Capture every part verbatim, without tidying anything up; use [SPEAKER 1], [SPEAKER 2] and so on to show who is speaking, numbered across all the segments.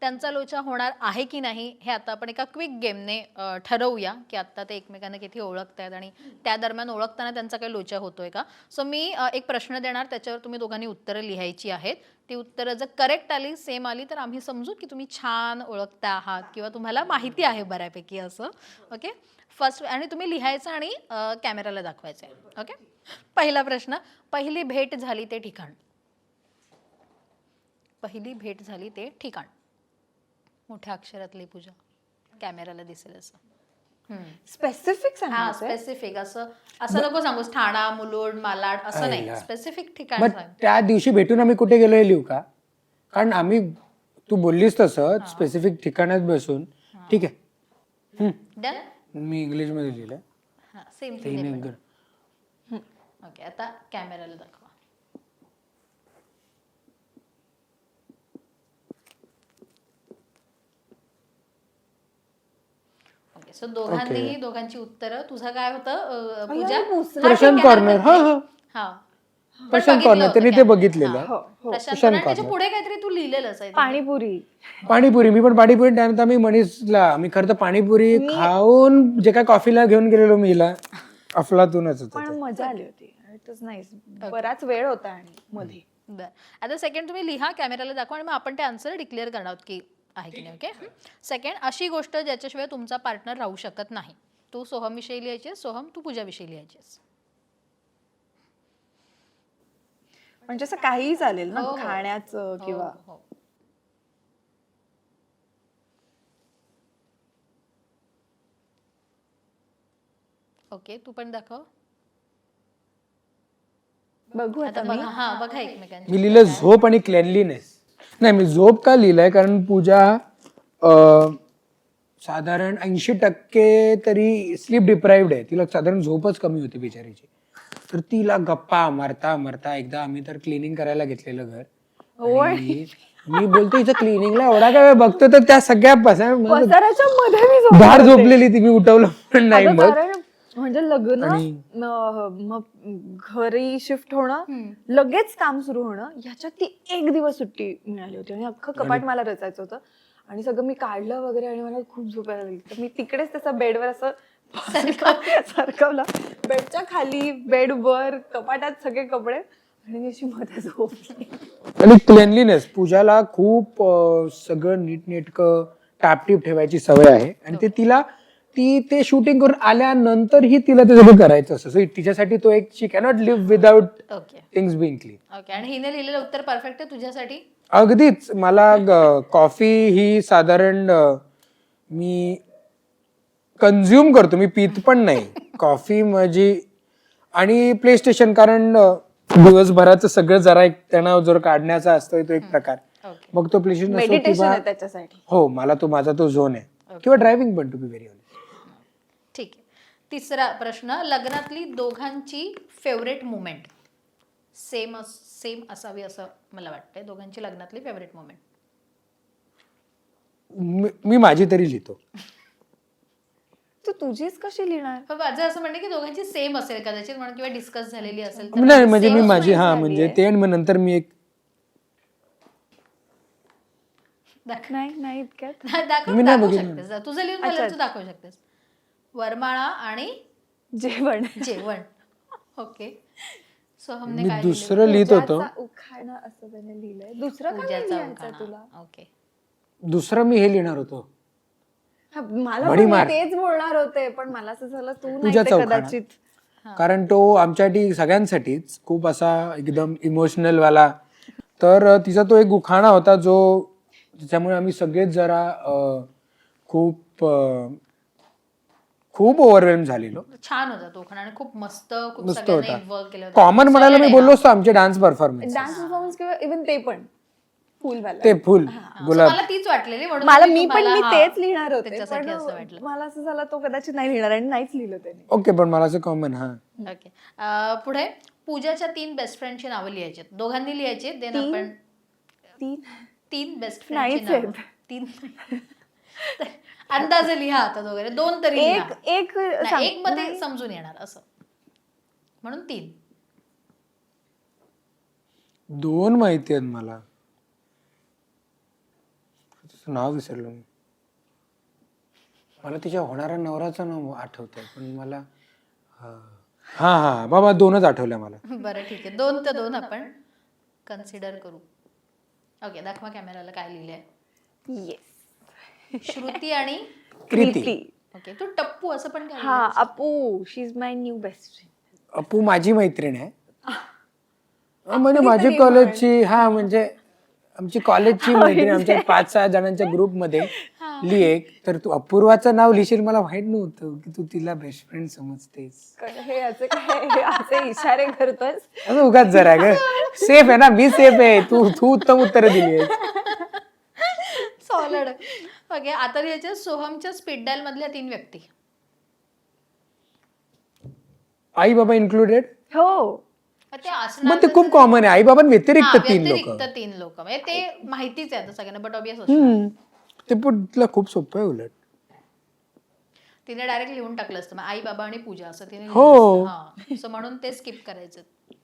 [SPEAKER 1] त्यांचा लोचा होणार आहे की नाही हे आता आपण एका क्विक गेमने ठरवूया की आता ते एकमेकांना किती ओळखतायत आणि त्या दरम्यान ओळखताना त्यांचा काही लोचा होतोय का. सो मी एक प्रश्न देणार, त्याच्यावर तुम्ही दोघांनी उत्तरं लिहायची आहेत. ती उत्तरं जर करेक्ट आली, सेम आली, तर आम्ही समजू की तुम्ही छान ओळखता आहात किंवा तुम्हाला माहिती आहे बऱ्यापैकी असं. Okay, first. आणि तुम्ही लिहायचं आणि कॅमेराला दाखवायचं आहे. ओके, पहिला प्रश्न, पहिली भेट झाली ते ठिकाण. पहिली भेट झाली ते ठिकाण. मोठ्या अक्षरातली पूजा, कॅमेराला दिसेल असं.
[SPEAKER 2] स्पेसिफिक
[SPEAKER 1] हा, स्पेसिफिक. असं असं नको सांगूस ठाणा, मुलुंड, मालाड असं नाही, स्पेसिफिक ठिकाण सांग.
[SPEAKER 3] त्या दिवशी भेटून आम्ही कुठे गेलो हे लिहू का? कारण आम्ही तू बोललीस तसं स्पेसिफिक ठिकाणात बसून. ठीक आहे,
[SPEAKER 1] डन.
[SPEAKER 3] मी इंग्लिश मध्ये लिहिलंय.
[SPEAKER 1] हा, सेम
[SPEAKER 3] तीन
[SPEAKER 1] थिंग.
[SPEAKER 3] एकदम.
[SPEAKER 1] ओके, आता कॅमेराला दाखवा. ओके, सो दोघांनीही दोघांची उत्तरं. तुझं काय होतं पूजा?
[SPEAKER 3] प्रशांत कॉर्नर. हा हा
[SPEAKER 1] हा,
[SPEAKER 3] प्रशांत कॉर्नर त्यांनी ते बघितलेलं.
[SPEAKER 1] प्रशांत कॉर्नर. त्याच्या पुढे काहीतरी तू लिहिलेलंच आहे.
[SPEAKER 2] पाणीपुरी.
[SPEAKER 3] पाणीपुरी. मी पण पाणीपुरी. त्यानंतर आम्ही मनीषला, मी खरं तर पाणीपुरी खाऊन जे काय कॉफीला घेऊन गेलेलो मी हिला, अफलातूनच होतं.
[SPEAKER 2] पण मजा आली होती. इट वाज नाईस. बराच वेळ होता आणि मध्ये.
[SPEAKER 1] बरं, आता सेकंड तुम्ही लिहा, कॅमेराला दाखवा आणि मग आपण ते आन्सर डिक्लेअर करणार आहोत की आहे की नाही. ओके, सेकंड, अशी गोष्ट ज्याच्याशिवाय तुमचा पार्टनर राहू शकत नाही. तू सोहम विषयी लिहायचीस, सोहम तू पूजा विषयी लिहायचीस.
[SPEAKER 2] म्हणजे असं काहीही चालेल ना, खाण्याचं किंवा.
[SPEAKER 1] हो. ओके, तू पण दाखव.
[SPEAKER 2] बघू
[SPEAKER 1] आता बघा. हा, बघा एकमेकांची.
[SPEAKER 3] मी लिहिलं झोप आणि क्लेनलीनेस. नाही, मी झोप का लिहिलंय कारण पूजा अं, साधारण ऐंशी टक्के तरी स्लीप डिप्राइव्ड आहे. तिला साधारण झोपच कमी होती बिचारीची. तर तिला गप्पा मारता मारता एकदा आम्ही तर क्लिनिंग करायला घेतलेलं घर. आणि मी बोलतो हिचं क्लिनिंगला एवढा काय वेळ बघतो, तर त्या सगळ्या
[SPEAKER 2] पसाराच्या मध्ये मी झोपले
[SPEAKER 3] बाहेर
[SPEAKER 2] होते.
[SPEAKER 3] झोपलेली ती. मी उठवलं पण नाही.
[SPEAKER 2] अगं,
[SPEAKER 3] मग
[SPEAKER 2] कारण म्हणजे लग्न, म- मग घरी शिफ्ट होणं, लगेच काम सुरू होणं, ह्याच्यात ती एक दिवस सुट्टी मिळाली होती आणि अख्खं कपाट मला रचायचं होतं आणि सगळं मी काढलं वगैरे आणि मला खूप झोपायला लागली. तर मी तिकडेच त्याचा बेडवर असं सरकवलं, बेडच्या खाली, बेड वर, कपाटात सगळे कपडे, आणि मी अशी मध्ये झोपली.
[SPEAKER 3] आणि क्लेनलीनेस, पूजाला खूप अं, सगळं नीटनेटकं टापटीप ठेवायची सवय आहे. आणि ते तिला, ती ते शूटिंग करून आल्यानंतरही तिला ते सगळं करायचं असं. सो तिच्यासाठी तो एक, she cannot live without things being clean.
[SPEAKER 1] Okay, आणि हिने लिहिलेलं उत्तर परफेक्ट आहे तुझ्यासाठी.
[SPEAKER 3] अगदीच. मला कॉफी ही साधारण अं, मी कन्झ्युम करतो, मी पित पण नाही कॉफी माझी. आणि प्ले स्टेशन, कारण अं, दिवसभराचं सगळं जरा एक तणाव जर काढण्याचा असतो तो एक प्रकार. मग तो प्ले स्टेशन
[SPEAKER 2] मेडिटेशन आहे त्याच्यासाठी.
[SPEAKER 3] हो, मला तो, माझा तो झोन आहे. किंवा ड्रायव्हिंग पण, टू बी व्हेरी ऑनेस्ट.
[SPEAKER 1] ठीक आहे, तिसरा प्रश्न, लग्नातली दोघांची फेवरेट मुमेंट. सेम सेम असावी असं मला वाटतंय. दोघांची लग्नातली फेवरेट मुमेंट.
[SPEAKER 3] मी माझी तरी लिहितो.
[SPEAKER 2] तू तुझीच कशी लिहिणार?
[SPEAKER 1] माझं असं म्हणणं की दोघांची सेम असेल कदाचित, म्हणून किंवा डिस्कस झालेली असेल.
[SPEAKER 3] नाही, म्हणजे मी माझी, हा म्हणजे ते, आणि मग नंतर मी एक
[SPEAKER 2] नाही नाही इतक्यात
[SPEAKER 1] दाखवू शकतेस. तुझं लिहून झालं तू दाखवू शकतेस. वरमाळा आणि
[SPEAKER 2] जेवण.
[SPEAKER 1] जेवण. ओके, सोहमने
[SPEAKER 3] मी
[SPEAKER 1] काय
[SPEAKER 3] दुसरं लिहित होतो.
[SPEAKER 2] उखाणा असं त्याने लिहिलंय. दुसरं काय
[SPEAKER 1] पूजाचा
[SPEAKER 2] लिहायचं
[SPEAKER 1] उखाणा.
[SPEAKER 2] तुला?
[SPEAKER 1] ओके,
[SPEAKER 3] दुसरं मी हे लिहिणार होतो,
[SPEAKER 2] हा, मला पण मी तेच बोलणार होते, पण मला असं झालं तू नाही ते कदाचित.
[SPEAKER 3] कारण तो आमच्यासाठी सगळ्यांसाठीच खूप असा एकदम इमोशनल वाला. तर तिचा तो एक उखाणा होता जो, त्याच्यामुळे आम्ही सगळेच जरा अं, खूप अं, खूप ओव्हरवेल्म झालेलो.
[SPEAKER 1] छान होता तो उखाणा आणि खूप मस्त, खूप
[SPEAKER 3] मस्त
[SPEAKER 1] सगळ्यांनी
[SPEAKER 3] होता.
[SPEAKER 1] इन्व्हॉल्व केलं होतं.
[SPEAKER 3] कॉमन म्हणायला मी बोललो असतो आमचे डान्स परफॉर्मन्स.
[SPEAKER 2] डान्स परफॉर्मन्स किंवा इव्हन ते पण फुलवाला.
[SPEAKER 3] ते फुल
[SPEAKER 1] So
[SPEAKER 3] गुलाब.
[SPEAKER 1] मला तीच वाटलेली, म्हणून
[SPEAKER 2] मला
[SPEAKER 1] मी
[SPEAKER 2] मी पण
[SPEAKER 1] तुम्हाला,
[SPEAKER 2] मी
[SPEAKER 1] हा,
[SPEAKER 2] तेच लिहिणार होते,
[SPEAKER 1] त्याच्यासाठी
[SPEAKER 2] पण
[SPEAKER 1] असं वाटलं.
[SPEAKER 2] मला असं झालं तो कदाचित नाही लिहिणार आणि नाहीच लिहिलं त्याने.
[SPEAKER 3] ओके, पण मला असं कॉमन. हा,
[SPEAKER 1] ओके, अं, पुढे पूजाच्या तीन बेस्ट फ्रेंडची नावं लिहायची, दोघांनी लिहायची. देन आपण
[SPEAKER 2] तीन
[SPEAKER 1] तीन बेस्ट
[SPEAKER 2] नाहीच
[SPEAKER 1] फ्रेंडची नावं. तीन अंदाजे लिहा आता दोघे, दोन तरी लिहा.
[SPEAKER 2] एक एक
[SPEAKER 1] नाही,
[SPEAKER 2] सांग.
[SPEAKER 1] एक मध्ये समजून येणार असं, म्हणून तीन.
[SPEAKER 3] दोन माहिती आहेत मला. तिचं नाव विसरलो मी. मला तिच्या होणाऱ्या नवऱ्याचं नाव आठवतंय पण मला हा हा बाबा दोनच आठवल्या मला.
[SPEAKER 1] बरं ठीक आहे, दोन तर दोन आपण कन्सिडर करू. ओके, दाखवा कॅमेराला काय लिहिलंय.
[SPEAKER 2] येस.
[SPEAKER 1] श्रुती आणि
[SPEAKER 3] कृती.
[SPEAKER 1] ओके, तू टप्पू असं पण काय
[SPEAKER 2] हा, Apu, she is my new best friend.
[SPEAKER 3] Apu माझी मैत्रीण आहे. अं, म्हणजे माझी कॉलेजची, हा म्हणजे आमची कॉलेजची मैत्रीण, आमच्या पाच सहा जणांच्या ग्रुपमध्ये लिह. तर तू अपूर्वाचं नाव लिहिशील मला माहित नव्हतं की तू तिला बेस्ट फ्रेंड समजतेस.
[SPEAKER 2] हे असं काय, हे असे इशारे करतोस.
[SPEAKER 3] असं उगाच जरा ग, सेफ आहे ना मी, सेफ आहे. तू तू उत्तम उत्तर दिली.
[SPEAKER 1] सॉलिड. ओके, आता लिहायचे सोहमच्या स्पीड डायल मधल्या तीन व्यक्ती.
[SPEAKER 3] आई बाबा इन्क्लुडेड.
[SPEAKER 2] हो,
[SPEAKER 1] ते असणार
[SPEAKER 3] मग ते खूप कॉमन आहे. आई बाबा व्यतिरिक्त तीन लोक.
[SPEAKER 1] व्यतिरिक्त तीन लोक म्हणजे ते माहितीच आहे आता सगळ्यांना, बट ऑबियस
[SPEAKER 3] ते पण तिला खूप सोपं आहे उलट.
[SPEAKER 1] तिने डायरेक्ट लिहून टाकलं असतं मग आई बाबा आणि पूजा असं तिने लिहिलं
[SPEAKER 3] हो.
[SPEAKER 1] असतं. हा, सो म्हणून ते स्किप करायचं.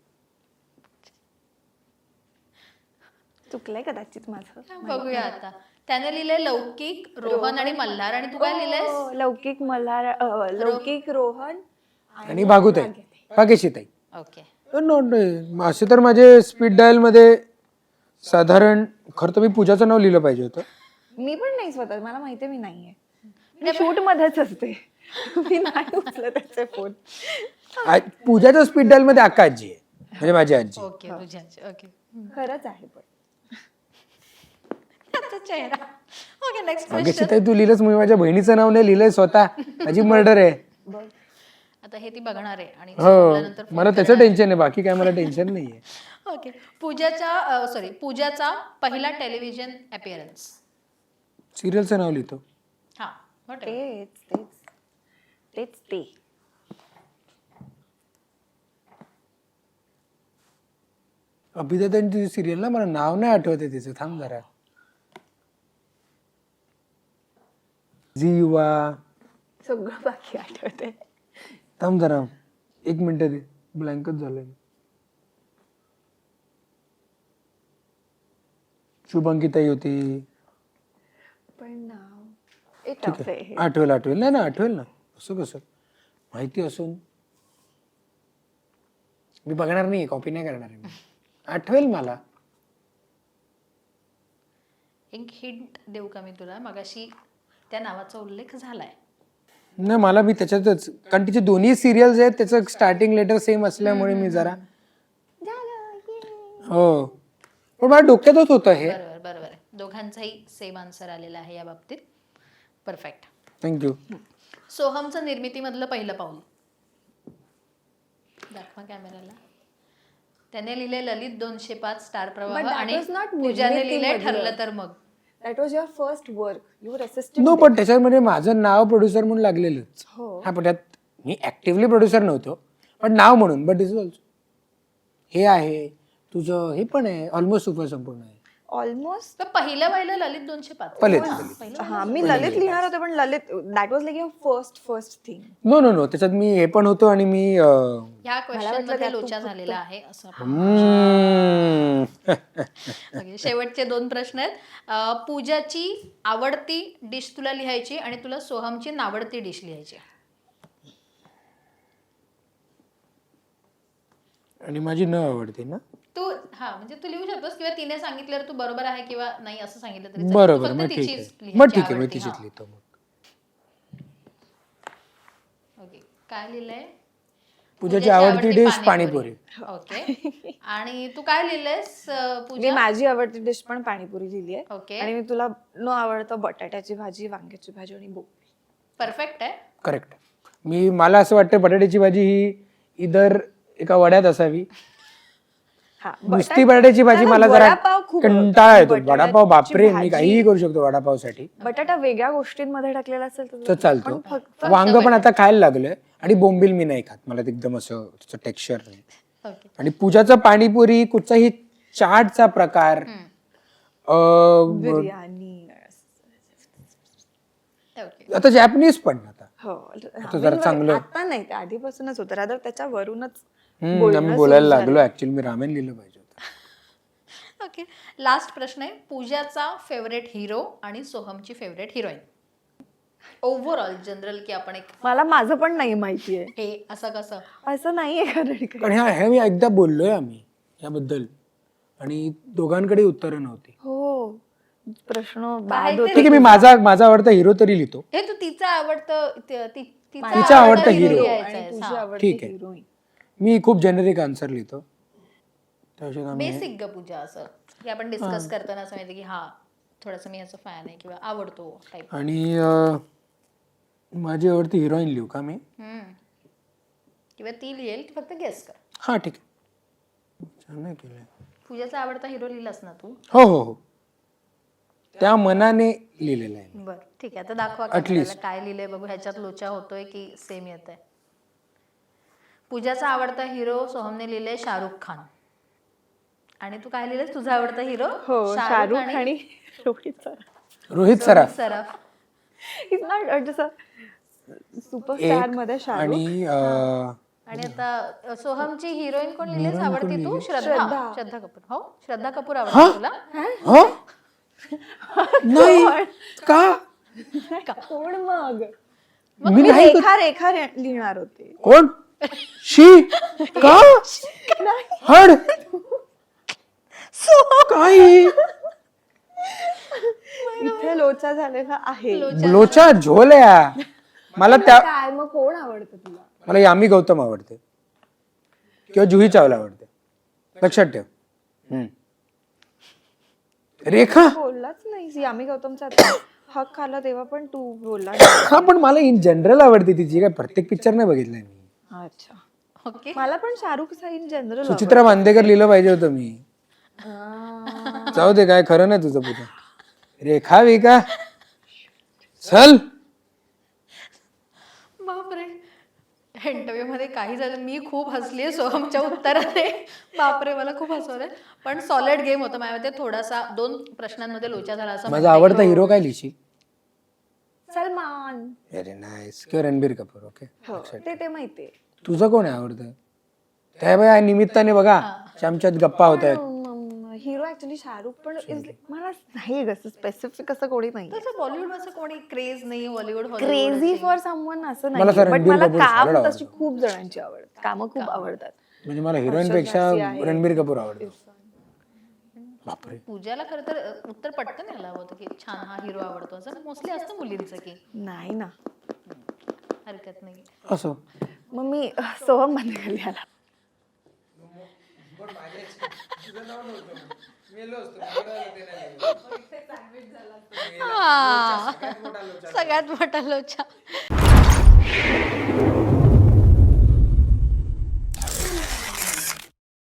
[SPEAKER 2] चुकलंय कदाचित माझं.
[SPEAKER 1] बघूया आता. त्याने लिहिलंय लौकिक, रोहन आणि मल्हार. आणि तू काय लिहिलंयस?
[SPEAKER 2] हो, लौकिक मल्हार, अ, लौकिक रोहन
[SPEAKER 3] आणि भागुताई, भाग्यशीताई.
[SPEAKER 1] ओके,
[SPEAKER 3] नॉट असे तर माझे स्पीड डायल मध्ये साधारण, खरं तर मी पूजाचं नाव लिहिलं पाहिजे होतं.
[SPEAKER 2] मी पण नाही स्वतः, मला माहितीये मी नाहीये, मी शूट मध्येच असते. मी नाही उचलत त्याचे फोन.
[SPEAKER 3] आ- पूजाच्या स्पीड डायल मध्ये अक्का आजी आहे, म्हणजे माझी आजी.
[SPEAKER 1] ओके, तुझ्याची. ओके,
[SPEAKER 2] खरंच आहे पण.
[SPEAKER 1] त्याचा चेहरा. Okay, next question.
[SPEAKER 3] भाग्यशीताई तू लिहिलंस, मी माझ्या बहिणीचं नाव नाही लिहिलंय स्वतः. माझी मर्डर आहे.
[SPEAKER 1] आता हे ती बघणार आहे आणि
[SPEAKER 3] हो,
[SPEAKER 1] संपल्यानंतर phone
[SPEAKER 3] मला त्याचं टेन्शन आहे, बाकी काय मला टेन्शन नाहीये.
[SPEAKER 1] ओके, पूजाच्या सॉरी पूजाचा पहिला टेलिव्हिजन अपिअरन्स.
[SPEAKER 3] सिरियलचं नाव लिहितो.
[SPEAKER 1] हा, whatever.
[SPEAKER 2] तेच तेच तेच ते.
[SPEAKER 3] अभिनेत्यांची सिरियल ना, मला नाव नाही आठवत आहे तिचं. थांब जरा. झी युवा.
[SPEAKER 2] सगळं बाकी आठवते.
[SPEAKER 3] थांब जरा, एक मिनिट दे, ब्लँकच झालंय. शुभंकीताई होती.
[SPEAKER 2] पण नाव ए
[SPEAKER 3] ठीक
[SPEAKER 2] टफ
[SPEAKER 3] आहे,
[SPEAKER 2] आहे.
[SPEAKER 3] आठवेल आठवेल. नाही ना, आठवेल ना. असं कसं माहिती असून मी बघणार नाही, कॉपी नाही करणार आहे मी. आठवेल मला.
[SPEAKER 1] एक हिंट देऊ का मी तुला? मगाशी त्या नावाचा उल्लेख झालाय.
[SPEAKER 3] नाही, मला मी त्याच्यातच, कारण तिचे दोन्ही सिरियल्स आहेत, त्याचं स्टार्टिंग लेटर सेम असल्यामुळे मी जरा, हो, पण माझ्या डोक्यातच होतं हे.
[SPEAKER 1] बरोबर बरोबर आहे, दोघांचाही सेम आन्सर आलेला आहे या बाबतीत. परफेक्ट.
[SPEAKER 3] थँक्यू.
[SPEAKER 1] सोहमचं निर्मितीमधलं पहिलं पाऊल. दाखवा कॅमेराला. त्याने लिहिले ललित दोनशे पाच, स्टार
[SPEAKER 2] But
[SPEAKER 1] प्रवाह.
[SPEAKER 2] that
[SPEAKER 1] आणि
[SPEAKER 2] was not
[SPEAKER 1] पूजाने लिहिले
[SPEAKER 2] निर्मितीमधलं.
[SPEAKER 1] ठरलं तर मग.
[SPEAKER 2] That was your first work, you were assistant.
[SPEAKER 3] No, पण त्याच्यामध्ये माझं नाव प्रोड्युसर म्हणून लागलेलंच.
[SPEAKER 2] हो.
[SPEAKER 3] हा, पण त्यात मी ऍक्टिव्हली प्रोड्युसर नव्हतो, पण नाव म्हणून. बट दिस ऑल्सो हे आहे तुझं, हे पण आहे ऑलमोस्ट सुपर संपूर्ण आहे.
[SPEAKER 2] ऑलमोस्ट.
[SPEAKER 1] तर पहिलं पहिलं ललित दोनशे पाच.
[SPEAKER 3] पहिले
[SPEAKER 2] हा, मी ललित लिहिणार होते, पण Lalit that was like your first first thing.
[SPEAKER 3] No no no त्याच्यात मी हे पण होतो आणि मी अं,
[SPEAKER 1] ह्या क्वेश्चन मध्ये लोचा झालेला आहे असं आपण.
[SPEAKER 3] हम्म.
[SPEAKER 1] Okay, शेवटचे दोन प्रश्न आहेत. अं, पूजाची आवडती डिश तुला लिहायची आणि तुला सोहमची नावडती डिश लिहायची.
[SPEAKER 3] आणि माझी न आवडते ना.
[SPEAKER 1] तू हा म्हणजे तू लिहू शकतोस, किंवा तिने सांगितल्यावर तू बरोबर आहे किंवा नाही असं सांगितलं तरी चालेल. तू
[SPEAKER 3] बरोबर,
[SPEAKER 1] फक्त
[SPEAKER 3] मग ठीक
[SPEAKER 1] तिचीच
[SPEAKER 3] आहे,
[SPEAKER 1] लिहायची
[SPEAKER 3] मग ठीक आहे, मी
[SPEAKER 1] आवडती.
[SPEAKER 3] तिचीच
[SPEAKER 1] हा.
[SPEAKER 3] लिहितो मग.
[SPEAKER 1] ओके, काय लिहिलंय?
[SPEAKER 3] पूजाची आवडती डिश पाणीपुरी.
[SPEAKER 1] ओके. आणि तू काय लिहिलंयस अं,
[SPEAKER 2] मी
[SPEAKER 1] पूजा?
[SPEAKER 2] माझी आवडती डिश पण पाणीपुरी लिहिली आहे.
[SPEAKER 1] ओके,
[SPEAKER 2] आणि मी तुला न आवडतं बटाट्याची भाजी, वांग्याची भाजी आणि बोकळी.
[SPEAKER 1] परफेक्ट आहे.
[SPEAKER 3] करेक्ट. मी मला असं वाटतं बटाट्याची भाजी ही इधर एका वड्यात असावी.
[SPEAKER 2] हा,
[SPEAKER 3] नुसती बटाट्याची भाजी
[SPEAKER 2] त्याला
[SPEAKER 3] मला जरा
[SPEAKER 2] वडापाव खूप
[SPEAKER 3] कंटाळा येतो.
[SPEAKER 2] बटाट्याची
[SPEAKER 3] वडापाव बापरे, मी
[SPEAKER 2] भाजी.
[SPEAKER 3] काहीही करू शकतो वडापावसाठी.
[SPEAKER 2] बटाटा वेगळ्या गोष्टींमध्ये टाकलेला असेल
[SPEAKER 3] तर
[SPEAKER 2] तर
[SPEAKER 3] चालतो.
[SPEAKER 2] पण फक्त
[SPEAKER 3] वांग पण आता खायला लागलोय. आणि बोंबील मी नाही खात, मला ते एकदम असं त्याचं टेक्स्चर नाही.
[SPEAKER 1] ओके.
[SPEAKER 3] आणि पूजाचं पाणीपुरी, कुठचाही चाटचा प्रकार, अं,
[SPEAKER 2] बिर्याणी.
[SPEAKER 1] ओके.
[SPEAKER 3] आता जॅपनीज पण आता
[SPEAKER 2] हो,
[SPEAKER 3] आता जरा चांगलं.
[SPEAKER 2] आता नाही, ते आधीपासूनच होतं. रादर त्याच्यावरूनच
[SPEAKER 3] हम्म,
[SPEAKER 2] बोलणं
[SPEAKER 3] आम्ही
[SPEAKER 2] सुरू
[SPEAKER 3] बोलायला
[SPEAKER 2] झालं.
[SPEAKER 3] लागलो. ऍक्च्युअली मी रामेन लिहिलं पाहिजे होतं.
[SPEAKER 1] ओके, लास्ट प्रश्न आहे. पूजाचा फेवरेट हिरो आणि सोहमची फेवरेट हिरोईन ओव्हरऑल जनरल, की आपण एक
[SPEAKER 2] मला माझं पण नाही माहितीये.
[SPEAKER 1] हे असं कसं.
[SPEAKER 2] असं नाहीये कारण काही.
[SPEAKER 3] कारण ह्या हे मी एकदा बोललोय आम्ही याबद्दल आणि दोघांकडे उत्तरं नव्हती.
[SPEAKER 2] हो, प्रश्न
[SPEAKER 1] काय
[SPEAKER 2] बाद
[SPEAKER 1] ते-
[SPEAKER 2] होते.
[SPEAKER 3] ठीक आहे, मी माझा माझा आवडता हिरो तरी लिहितो.
[SPEAKER 1] हे तू तिचं आवडतं ति- ति-
[SPEAKER 3] तिचा आवडता
[SPEAKER 1] hero
[SPEAKER 3] hero.
[SPEAKER 1] लिहायचा
[SPEAKER 2] आणि
[SPEAKER 1] आहे.
[SPEAKER 2] तुझी
[SPEAKER 1] हा.
[SPEAKER 2] आवडती
[SPEAKER 3] ठीक आहे.
[SPEAKER 2] हिरोईन.
[SPEAKER 3] मी खूप जेनेरिक आन्सर लिहितो. त्याच्यात आम्ही
[SPEAKER 1] बेसिक ग पूजा, असं की आपण डिस्कस करताना असं माहिती की हा थोडंसं मी ह्याचा फॅन आहे किंवा आवडतो टाईप.
[SPEAKER 3] आणि अं, माझी आवडती हिरोईन लिहू का मी?
[SPEAKER 1] किंवा ती लिहिल, ती फक्त गेस कर.
[SPEAKER 3] हा ठीक आहे, छान नाही केलंय.
[SPEAKER 1] पूजाचा आवडता हिरो लिहिलास ना तू?
[SPEAKER 3] हो हो हो, त्या मनाने लिहिलेलं आहे.
[SPEAKER 1] बर ठीक आहे, आता दाखवा
[SPEAKER 3] At
[SPEAKER 1] camera
[SPEAKER 3] least.
[SPEAKER 1] ला काय लिहिलंय बघू, ह्याच्यात लोचा होतोय की सेम येत आहे. पूजाचा आवडता हिरो सोहमने लिहिलंय शाहरुख खान. आणि तू काय लिहिलंस तुझा आवडता हिरो?
[SPEAKER 2] हो, शाहरुख आणि Rohit sir.
[SPEAKER 3] Rohit Saraf.
[SPEAKER 1] Saraf.
[SPEAKER 2] Is not जसं सुपरस्टार मध्ये शाहरुख.
[SPEAKER 3] आणि अं,
[SPEAKER 1] आणि आता सोहमची हिरोईन कोण लिहिलेस आवडती तू? श्रद्धा.
[SPEAKER 2] श्रद्धा.
[SPEAKER 1] श्रद्धा कपूर. हो, श्रद्धा कपूर आवडते तुला?
[SPEAKER 3] हो नाही का?
[SPEAKER 2] कोण मग?
[SPEAKER 3] मी
[SPEAKER 2] मी
[SPEAKER 3] नाही
[SPEAKER 2] रेखा रेखा रे- लिहिणार होते.
[SPEAKER 3] कोण? शी का? हड काही
[SPEAKER 2] इथे लोचा झालेला आहे.
[SPEAKER 3] लोचा झोल्या. मला त्या
[SPEAKER 2] काय मग कोण आवडतं तुला?
[SPEAKER 3] मला यामी गौतम आवडते किंवा जुही चावला आवडते. लक्षात ठेव. हम्म. रेखा
[SPEAKER 2] बोललाच नाही. आम्ही गौतमचा आता हक खाल्ला तेव्हा पण तू बोलला नाही.
[SPEAKER 3] हा, पण मला इन जनरल आवडते तिची. काय प्रत्येक पिक्चर नाही बघितलाय मी.
[SPEAKER 2] अच्छा,
[SPEAKER 1] ओके.
[SPEAKER 2] मला पण शाहरुख इन जनरल
[SPEAKER 3] सुचित्रा बांदेकर लिहिलं पाहिजे होतं मी. जाऊ दे, काय खरं नाही तुझं पुढे. रेखा विका चल.
[SPEAKER 1] बापरे, इंटरव्ह्यू मध्ये काही झालं, मी खूप हसलीये सोहमच्या उत्तराने. बापरे, मला खूप हसवलंय. पण सॉलिड गेम होता माझ्या मते. थोडासा दोन प्रश्नांमध्ये लोचा झाला असं
[SPEAKER 3] माझा आवडता हिरो काय लिहिशी?
[SPEAKER 2] सलमान.
[SPEAKER 3] Very nice. किंवा रणबीर कपूर. ओके,
[SPEAKER 2] हो, ते ते माहितीये.
[SPEAKER 3] तुझं कोण आहे आवडतं? त्या बाय निमित्ताने बघा आमच्यात गप्पा होत आहेत.
[SPEAKER 2] हिरो ऍक्च्युली शाहरुख, पण is like- मला नाही असं स्पेसिफिक असं कोणी नाही.
[SPEAKER 1] तसं बॉलिवूड असं कोणी क्रेज नाही. बॉलिवूड
[SPEAKER 2] क्रेझी फॉर समवन असं
[SPEAKER 3] मला
[SPEAKER 2] नाही,
[SPEAKER 3] तर
[SPEAKER 2] बट
[SPEAKER 3] रणबीर
[SPEAKER 2] मला
[SPEAKER 3] कपूर
[SPEAKER 2] काम
[SPEAKER 3] solid
[SPEAKER 2] तशी खूप जणांची आवडतात. कामं खूप आवडतात.
[SPEAKER 3] म्हणजे मला हिरोईन पेक्षा रणबीर कपूर आवडतो. बापरे,
[SPEAKER 1] पूजाला खरं तर अ, उत्तर पटकन यायला हवं होतं की छान हा हिरो आवडतो. असं मोस्टली असतं मुलींचं की
[SPEAKER 2] नाही ना.
[SPEAKER 1] हरकत नाही.
[SPEAKER 3] असो.
[SPEAKER 2] मग मी अह, सोहम बांदेकर लिहायला.
[SPEAKER 1] हा, सगळ्यात मोठा लोचा.